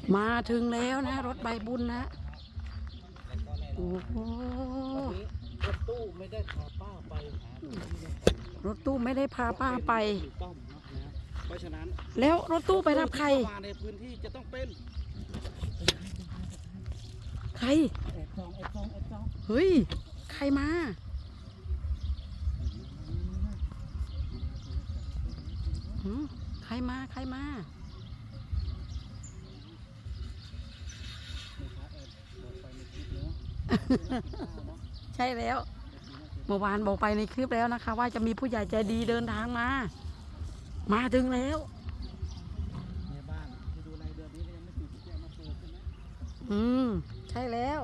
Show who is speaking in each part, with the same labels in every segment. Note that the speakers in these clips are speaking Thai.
Speaker 1: มาถึงแล้วนะรถใบบุญนะโอ้โห
Speaker 2: รถตู้ไม่ได้พาป้าไปหาร
Speaker 1: ถตู้ไม่ได้พาป้าไป
Speaker 2: ถูกต้องนะเพราะฉะนั้น
Speaker 1: แล้วรถตู้ไปรับใคร
Speaker 2: มาในพื้นที่จะต้องเป็น
Speaker 1: ใคร
Speaker 2: แอบซอง
Speaker 1: เฮ้ยใครมาหืมใครมาใช่แล้วเมื่อวานบอกไปในคลิปแล้วนะคะ ว่าจะมีผู้ใหญ่ใจดีเดินทางมาถึงแล้ว
Speaker 2: ในบ้านที่ดูในเดือนนี้ก็ยังไม่ติดแจ้งมาเปิดใช่ไหม
Speaker 1: ใช่แล้ว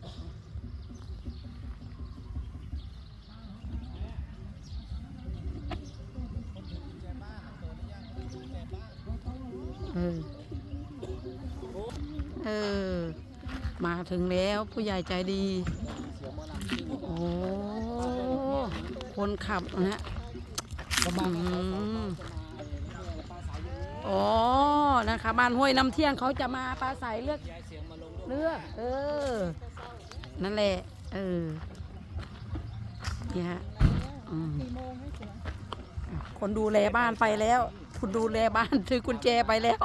Speaker 1: เออมาถึงแล้วผู้ใหญ่ใจดี โอ้คนขับนะฮะอ๋อนะคะบ้านห้วยน้ำเที่ยงเขาจะมาปราศัยเลือกนั่นแหละนี่ฮะคนดูแลบ้านไปแล้วคุณดูแลบ้านถือกุญแจไปแล้ว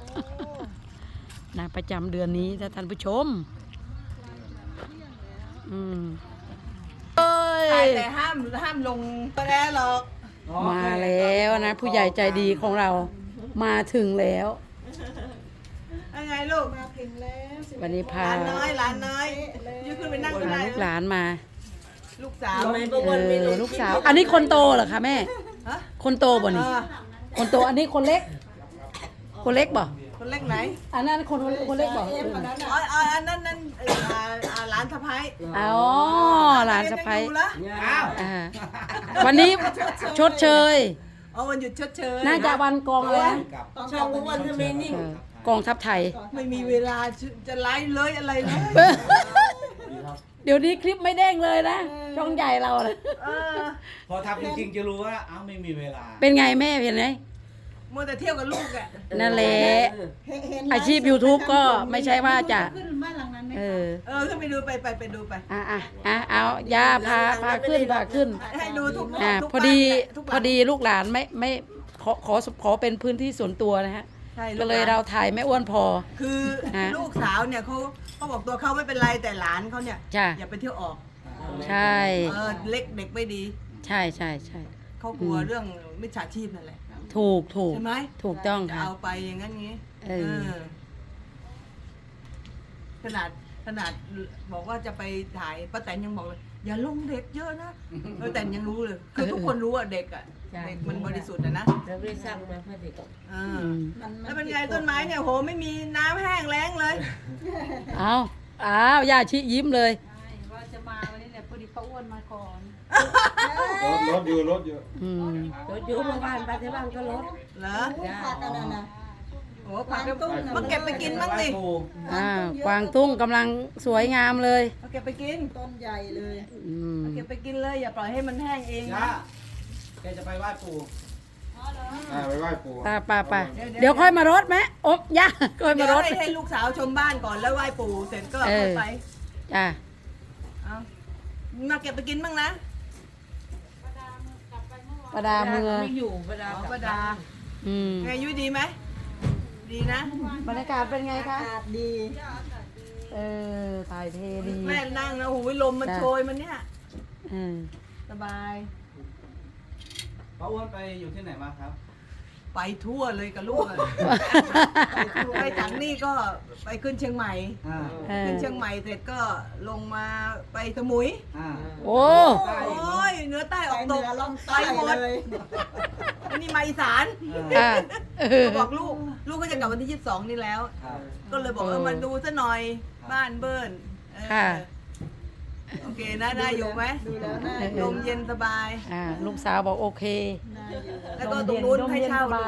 Speaker 1: นะประจำเดือนนี้ถ้าท่านผู้ชม
Speaker 3: แต่ห้ามลงไปแล้วหรอก
Speaker 1: มาแล้วนะผู้ใหญ่ใจดีของเรามาถึงแล้ว
Speaker 3: ยังไงลูกมาถึงแล้ว
Speaker 1: วันนี้พา
Speaker 3: หลานน้อยยืนขึ้นไปนั่งข้างใน
Speaker 1: ลูกหลานมา
Speaker 3: ลูกสาว
Speaker 1: ลูกสาว อันนี้คนโตเหรอคะแม่
Speaker 3: ฮะ
Speaker 1: คนโตบ่นี่คนโตอันนี้คนเล็กบ่
Speaker 3: คนเล็กไหน
Speaker 1: อันนั้นคนเล็กบ่
Speaker 3: อันนั้นหลานสะพ้าย
Speaker 1: อ๋อหลานสะใภ้
Speaker 3: อ้าว
Speaker 1: วันนี้ชดเชย
Speaker 3: วันหยุดชดเชย
Speaker 1: น่าจะวันกองเลยนะ
Speaker 3: ช่องวันทำไมนิ่ง
Speaker 1: กองทัพไทย
Speaker 3: ไม่มีเวลาจะไลฟ์เลยอะไรเลย
Speaker 1: เดี๋ยวนี้คลิปไม่เด้งเลยนะช่องใหญ่เรานะ
Speaker 2: พอทำจริงๆจะรู้ว่าเอ้าไม่มีเวลา
Speaker 1: เป็นไงแม่เป็นไง
Speaker 3: มัวแต่เที่ยวกับลูกอ่ะ
Speaker 1: นั่นแหละอาชีพ YouTube ก็ไม่ใช่ว่าจะ
Speaker 3: ขึ้นไปดูไปดูไป
Speaker 1: เอาย่าพาขึ้น
Speaker 3: ให้ดูทุก
Speaker 1: พอดีลูกหลานไม่ขอเป็นพื้นที่ส่วนตัวนะฮะก็เลยเราถ่ายแม่อ้วนพอ
Speaker 3: คือลูกสาวเนี่ยเขาบอกตัวเขาไม่เป็นไรแต่หลานเขาเนี่ยอย่าไปเที่ยวออก
Speaker 1: ใช่
Speaker 3: เล็กเด็กไม่ดี
Speaker 1: ใช่
Speaker 3: เขากลัวเรื่องมิจฉาชีพนั่นแหละ
Speaker 1: ถูก
Speaker 3: ใช่ไหม
Speaker 1: ถูกต้อง
Speaker 3: จะ
Speaker 1: ค่ะ
Speaker 3: เอาไปอย่างนั้นงี้ขนาดบอกว่าจะไปถ่ายป้าแตนยังบอกเลยอย่าลงเด็กเยอะนะป้าแตนยังรู้เลยคือทุกคนรู้อ่ะเด็กมันบริสุทธิ์นะ
Speaker 4: เราไม่สร้างมาเพื่อเด็ก
Speaker 3: แล้วเป็นไงต้นไม้เนี่ยโหไม่มีน้ำแห้งแล้งเลย
Speaker 1: เอาย่าชิยิ้มเลย
Speaker 4: ว่าจะมาวันนี้เนี่ยพอดีป้าอ้วนมาก่อน
Speaker 5: รถอยู่
Speaker 4: รถอยู่เมื่อวานไปที่บ้านก็รถ
Speaker 3: เหรอโอ้ผักมาเก็บไปกินบ้างสิ
Speaker 1: กวางตุ้งกำลังสวยงามเลย
Speaker 3: มาเก็บไปกินต้นใหญ่เลยมาเก็บไปกินเลยอย่าปล่อยให้มันแห้งเองนะ
Speaker 2: แกจะไปไหว้ปู่
Speaker 5: ไปไหว้ปู่
Speaker 1: ป่าเดี๋ยวค่อยมารถไหมย่าค่อย
Speaker 3: เดี๋
Speaker 1: มา
Speaker 3: ยว
Speaker 1: รถ
Speaker 3: ให้ลูกสาวชมบ้านก่อนแล้วไหว้ปู่เสร็จก็ค่อยไป
Speaker 1: จ้า
Speaker 3: เอามาเก็บไปกินบ้างนะ
Speaker 1: ประดาเมือง
Speaker 4: ไม่อยู่ประดา
Speaker 3: ป้าดาไงยุ้ยดีไหมดีนะ
Speaker 1: บรรยากาศเป็นไงคะ
Speaker 3: ดี
Speaker 1: ถ่ายเทดี
Speaker 3: แม่นั่งนะโอ้ยลมมันโชยมันเนี่ยสบาย
Speaker 2: ป้าอ้วนไปอยู่ที่ไหนมาครับ
Speaker 3: ไปทั่วเลยกับลูกไปจากนี่ก็ไปขึ้นเชียงใหม่ขึ้นเชียงใหม่เสร็จก็ลงมาไปสมุย
Speaker 1: โอ้
Speaker 3: โอ้ยเหนือใต้ออกตกไปหมดอันนี้มาอีสานบอกลูกก็จะกลับวันที่22นี่แล้ว ก็เลยบอกมาดูซะหน่อยบ้านเบิ้ลโอเคนะได้อยู่ไหมดูแล้วน่าลมเย็นสบาย
Speaker 1: ลูกสาวบอกโอเค
Speaker 3: แล้วก็ตรงนู้นให้เช่าดู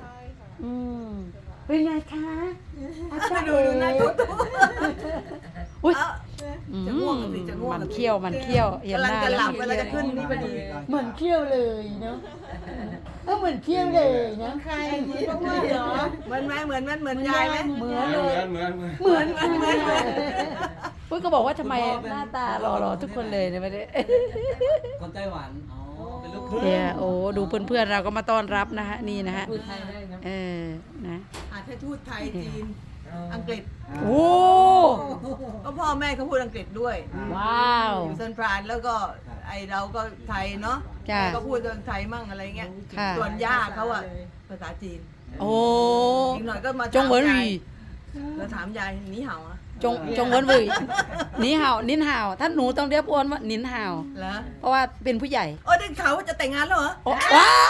Speaker 1: เป็นไงคะ
Speaker 3: ดูนะตุ๊ด
Speaker 1: อุ้ย
Speaker 3: จะง่วงสิจะง่วง
Speaker 1: มันเคี้ยวเห็น
Speaker 3: กำลั
Speaker 1: ห
Speaker 3: ง
Speaker 1: น้า
Speaker 3: จะห
Speaker 1: แล้
Speaker 3: ลั
Speaker 1: ว
Speaker 3: บเวลาจะขึ้นนี่พอดี
Speaker 1: เหมือนเคี้ยวเลยเนาะเหมือนเคี้ยวเลยนะ
Speaker 4: ใครป้าอ้วนเหรอ
Speaker 3: เหมือนไหมเหมือนยายไหม
Speaker 1: เหมือนเลย
Speaker 5: เหมือน
Speaker 1: เหมือนปุ้ยก็บอกว่าทำไมหน้าตาหล่อๆทุกคนเลยเนี่ยไม่ได้
Speaker 2: คนไต้หวัน อ๋อ เป็นลูกครึ่ง
Speaker 1: เนี่ยโอ้ดูเพื่อนๆเราก็มาต้อนรับนะฮะนี่นะฮะ
Speaker 4: พูดไทยได้นะ
Speaker 1: นะ
Speaker 3: อาจจะทูตไทยจีน อังกฤษ
Speaker 1: โอ้
Speaker 3: ก็พ่อแม่เขาพูดอังกฤษด้วย
Speaker 1: ว้าว
Speaker 3: อยู่ซันฟรานแล้วก็ไอเราก็ไทยเนาะ
Speaker 1: จ้ะ
Speaker 3: ก็พูดไทยมั่งอะไรเงี้ย
Speaker 1: ค่ะ
Speaker 3: ส่วนย่าเขาอะภาษาจีน
Speaker 1: โอ้
Speaker 3: อีกหน่อยก็มา
Speaker 1: จงเหวินหวี
Speaker 3: เราถามยายหนีเห่าอะ
Speaker 1: จงเหวินหวีนินห่าวนินห่าวถ้าหนูต้องเรียกอ้วนว่านินห่าว
Speaker 3: เหรอ
Speaker 1: เพราะว่าเป็นผู้ใหญ่
Speaker 3: โอ้ได้ข่าวว่าจะแต่งงานแล้วเหรอ
Speaker 1: โอ้ว้าว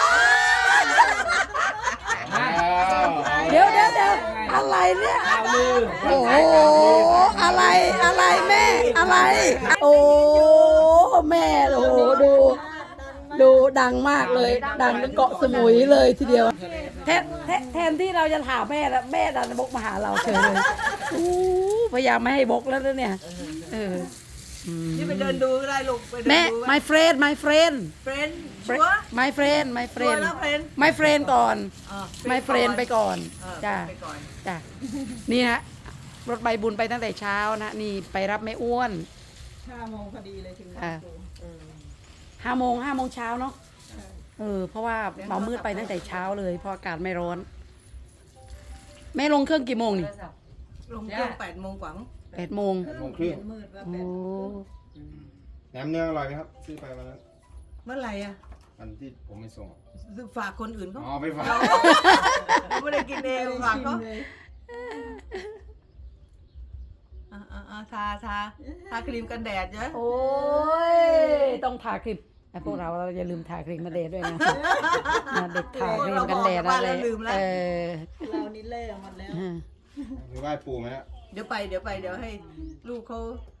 Speaker 1: เดี๋ยวอะไรเนี่ย โอ้โหอะไรแม่ อะไร โอ้แม่โอ้โหดูดังมากเลย ดังเป็นเกาะสมุยเลยทีเดียวแทนที่เราจะถามแม่แล้วแม่ดันบกมาหาเราเฉยเลยอู้พยายามไม่ให้บกแล้วนะเนี่ย
Speaker 3: นี่ไปเดินดูก็ได้ลูกไปเดิน
Speaker 1: แม่
Speaker 3: ดู
Speaker 1: my friend my friend
Speaker 3: เฟรนชัวร์
Speaker 1: my friend my
Speaker 3: ชัว
Speaker 1: friend
Speaker 3: ร์แล้วเฟรน
Speaker 1: my friend ก่อน my
Speaker 3: ไป
Speaker 1: friend ไปก่อน จ้า
Speaker 3: ไปก่อน
Speaker 1: จ้ะนี่ฮะรถใบบุญไปตั้งแต่เช้านะนี่ไปรับแม่อ้วน
Speaker 6: 5 โมงพอดีเลยถึง
Speaker 1: อ่า 5 โมงเช้าเนาะเพราะว่าเมามืดไปตั้งแต่เช้าเลยเพราะอากาศไม่ร้อน แม่ลงเครื่องกี่โมงนี่
Speaker 3: ลงเครื่อง8 โมงกว่ามั้ง
Speaker 1: 8 โมง
Speaker 5: 8:30
Speaker 6: มืดแล้ว
Speaker 1: โอ้
Speaker 5: แหนมเนืองอร่อยไหมครับ ซื้อไปวันนั้น
Speaker 3: เมื่อไหร่อะ
Speaker 5: อันที่ผมไม่ส่ง
Speaker 3: ฝากคนอื่นเขา
Speaker 5: อ๋อไปฝาก
Speaker 3: เราไม่ได้กินเองฝากเขาทาครีมกันแดดเยอะ
Speaker 1: โอ้ยต้องทาครีมไอ้พวกเราอย่าลืมทาครีมกันแดดด้วยนะเด็กทาครีมกันแดดอะไร
Speaker 6: เรานี่เล่หมดแล้ว
Speaker 5: ไปไหว้ปู่ไหมฮะ
Speaker 3: เดี๋ยวให้ลูกเขา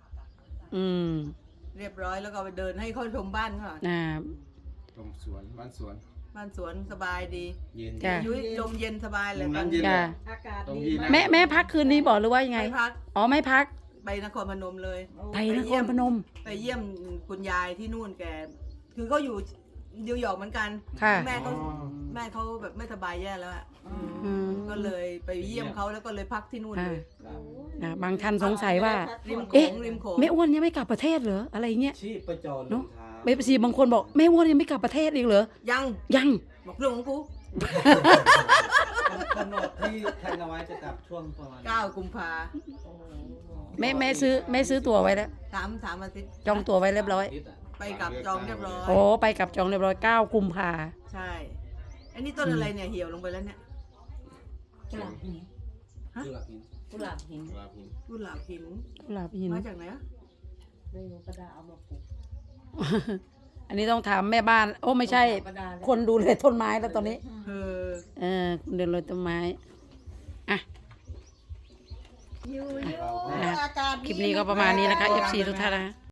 Speaker 3: เรียบร้อยแล้วก็ไปเดินให้เขาชมบ้านเขาหน่อย
Speaker 5: ชมสวนบ้านสวน
Speaker 3: บ้านสวนสบายดี
Speaker 5: เย็น
Speaker 1: จ้ะ
Speaker 3: ยุ้ยลมเย็นสบายเลย
Speaker 5: ตรง
Speaker 3: ตอ
Speaker 5: นั้น
Speaker 3: น
Speaker 5: เย็น
Speaker 1: จ้ะ
Speaker 5: เลย
Speaker 6: อากาศ
Speaker 5: ตรง
Speaker 6: ดี
Speaker 5: ที่
Speaker 6: มาก
Speaker 1: แม่พักคืนนี้บอกหรือว่ายังไง
Speaker 3: ไปพัก
Speaker 1: อ๋อไม่พัก
Speaker 3: ไปนครพนมเลย
Speaker 1: ไปนครพนม
Speaker 3: ไปเยี่ยมคุณยายที่นู่นแก คือเขาอยู่นิวยอร์กเหมือนกัน
Speaker 1: ค่ะ
Speaker 3: แม่เขาแบบไม่สบายแย่แล้วอะ ก็เลยไปเยี่ยมเขาแล้วก็เลยพักที่นู่นเลย
Speaker 1: บางท่านสงสัยว่า
Speaker 3: ริมโข
Speaker 1: เอ๊ะ
Speaker 3: งริมโขง
Speaker 1: แม่อ้วนยังไม่กลับประเทศเหรออะไรเงี้ย
Speaker 2: ชีพประจรล
Speaker 1: เนาะ
Speaker 2: งเท้า
Speaker 1: เบบซีบางคนบอกแม่อ้วนยังไม่กลับประเทศอีกเหรอ ยัง
Speaker 3: บอกเรื่องของกู
Speaker 2: กำหนดที่แทนเอาไว้จะกลับช่วงประมาณ
Speaker 3: 9 กุมภา
Speaker 1: แม่ซื้อตั๋วไว้แล้ว
Speaker 3: 3 อาทิตย์
Speaker 1: จองตั๋วไว้เรียบร้อย
Speaker 2: อาทิตย์อะ
Speaker 3: ไปกับจองเรียบร้อย
Speaker 1: โอ้ไปกับจองเรียบร้อย9 กุมภา
Speaker 3: ใช่ อันนี้ต้นอะไรเนี่ยเหี่ยวลงไปแล้วเนี่ย
Speaker 4: กุหลาบหิน
Speaker 2: คือหลักหิน
Speaker 4: กุหลาบหิน
Speaker 5: ลาพิน
Speaker 3: กุหลาบหิน
Speaker 1: กุหลาบหิน
Speaker 3: มาจากไหนอะ
Speaker 4: ไม่รู้กระดาษเอามาปลูก
Speaker 1: อันนี้ต้องถามแม่บ้าน โอ้ไม่ใช่
Speaker 4: กระดาษ
Speaker 1: คนดูแลต้นไม้แล้วตอนนี้
Speaker 3: เออ
Speaker 1: คนดูแลต้นไม้อ่ะ
Speaker 6: อยู่
Speaker 1: นะ
Speaker 6: อากาศดี
Speaker 1: คลิปนี้ก็ประมาณนี้นะคะ FC ทุกท่านนะ